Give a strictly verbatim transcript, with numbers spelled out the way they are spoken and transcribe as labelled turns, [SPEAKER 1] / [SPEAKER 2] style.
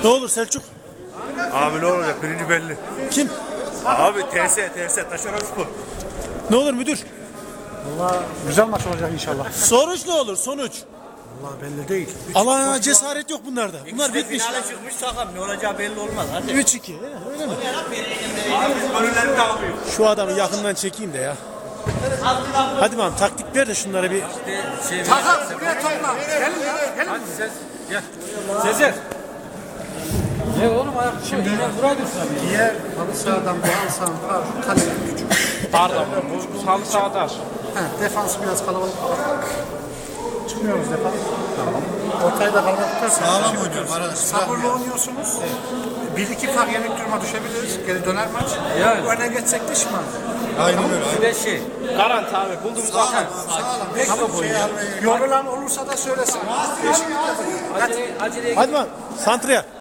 [SPEAKER 1] Ne olur Selçuk?
[SPEAKER 2] Abi ne olacak? Birinci belli.
[SPEAKER 1] Kim?
[SPEAKER 2] Abi T S, T S, Taşeron Spor.
[SPEAKER 1] Ne olur müdür?
[SPEAKER 3] Valla güzel maç olacak inşallah.
[SPEAKER 1] Sonuç ne olur sonuç?
[SPEAKER 3] Valla belli değil.
[SPEAKER 1] Allah cesaret yok bunlarda. Bunlar
[SPEAKER 4] İşte
[SPEAKER 1] bitmiş.
[SPEAKER 4] finale çıkmış takım. Ne olacağı belli olmaz. Hadi.
[SPEAKER 1] üç iki. Öyle mi?
[SPEAKER 2] Abi biz golleri de almıyor.
[SPEAKER 1] Şu adamı yakından çekeyim de ya. Hadi bakalım taktik ver de şunlara bir.
[SPEAKER 3] Takım buraya topla. Gelin ya. Gelin.
[SPEAKER 4] Hadi ses. Gel. Sezer. Ne oğlum ayak şimdi buraya dursun.
[SPEAKER 3] Diğer halı sahadan bu halı sahanın var. Kale küçük.
[SPEAKER 4] Pardon. Bu halı sahada.
[SPEAKER 3] He, defansı biraz kalabalık. Çıkmıyoruz defans. Tamam. Ortayı da kalabalık tutarsanız.
[SPEAKER 5] Sağlam oynuyoruz arkadaşlar.
[SPEAKER 3] Sabırlı oynuyorsunuz. Bir iki fark yenik duruma düşebiliriz. Geri döner maç.
[SPEAKER 4] Yani.
[SPEAKER 3] Öne geçsek de şımarız.
[SPEAKER 5] Aynen öyle.
[SPEAKER 4] Bir de şey. Garanti abi. Bulduğumuz
[SPEAKER 5] Sağlam.
[SPEAKER 4] atar.
[SPEAKER 5] Sağlam. Beş
[SPEAKER 3] Tamam
[SPEAKER 5] şey
[SPEAKER 3] ya.
[SPEAKER 5] almayı.
[SPEAKER 3] Yorulan olursa da söylesin. Değişiklik yapın.
[SPEAKER 4] Acele, acele
[SPEAKER 1] Hadi bakalım santraya.